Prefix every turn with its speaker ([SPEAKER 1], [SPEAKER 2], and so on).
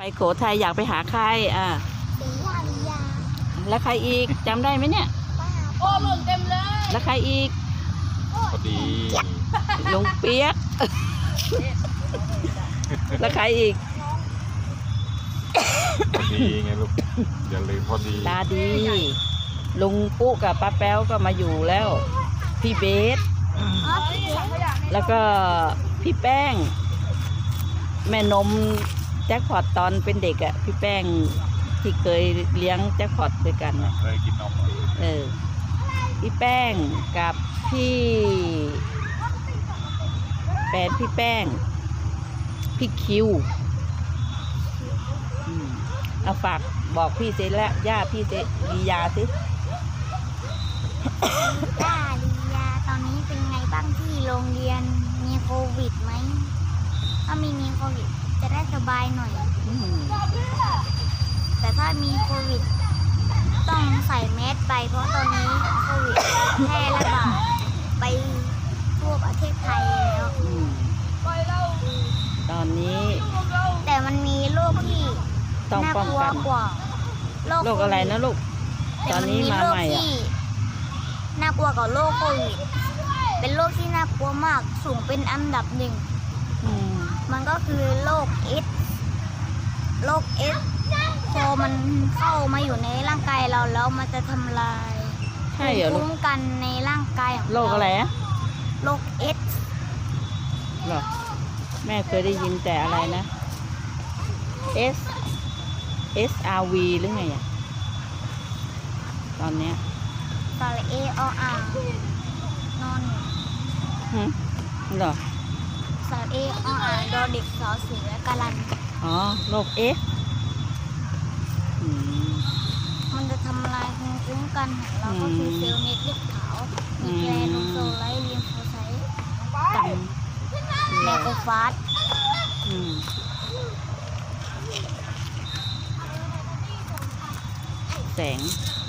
[SPEAKER 1] โขทัยอยากไปหาใคร
[SPEAKER 2] สีวาริยา
[SPEAKER 1] แล้วใครอีกจำได้ไหมเนี่ย
[SPEAKER 2] โอ้หล่นเต็มเลย
[SPEAKER 1] แล้วใครอีก
[SPEAKER 3] พอดี
[SPEAKER 1] ลุงเปี๊ยกแล้วใครอีก
[SPEAKER 3] พอดีไงลูกอย่าลืมพอดี
[SPEAKER 1] ตาดีลุงปุ๊กับป้าแป๊วก็มาอยู่แล้วพี่เบสแล้วก็พี่แป้งแม่นมแจ็คพอตตอนเป็นเด็กอะพี่แป้งที่เคยเลี้ยงแจ็คพอตด้วยกัน
[SPEAKER 3] เคยกินนม
[SPEAKER 1] พี่แป้งกับพี่แฟนพี่แป้งพี่คิวเอาฝากบอกพี่เจและย่าพี่เจลียาสิ
[SPEAKER 2] ย่าลียาตอนนี้เป็นไงบ้างที่โรงเรียนมีโควิดไหมถ้ามีโควิดจะได้สบายหน่อยแต่ถ้ามีโควิดต้องใส่แมสไปเพราะตอนนี้โควิดแพร่ระบาดไปทั่วประเทศไทยแล้ว
[SPEAKER 1] ตอนนี้
[SPEAKER 2] แต่มันมีโรคที่
[SPEAKER 1] ต้องป้องกัน
[SPEAKER 2] กว่า
[SPEAKER 1] โรคอะไรนะลูกตอนนี้มาใหม่
[SPEAKER 2] น่ากลัวกว่าโรคโควิดเป็นโรคที่น่ากลัวมากสูงเป็นอันดับหนึ่งมันก็คือโรคเอสพอมันเข้ามาอยู่ในร่างกายเราแล้วมันจะทำลายภูมิคุ้มกันในร่างกายของเรา
[SPEAKER 1] โรคอะไรอะ
[SPEAKER 2] โรคเอส
[SPEAKER 1] หรอแม่เคยได้ยินแต่อะไรนะ SRV หรือไงอะตอนเนี้ย
[SPEAKER 2] สระเอออ่างนอน
[SPEAKER 1] เหรอ
[SPEAKER 2] สระเอออ่างดอเด็กสอเสือกะลัน
[SPEAKER 1] โรค
[SPEAKER 2] มันจะทำลายภูมิคุ้มกันของเราก็คือเซลล์เม็ดเลือดขาวมีแกลโนโซไลท์ลิมโฟไซต์กับแมโครฟาจ
[SPEAKER 1] แสง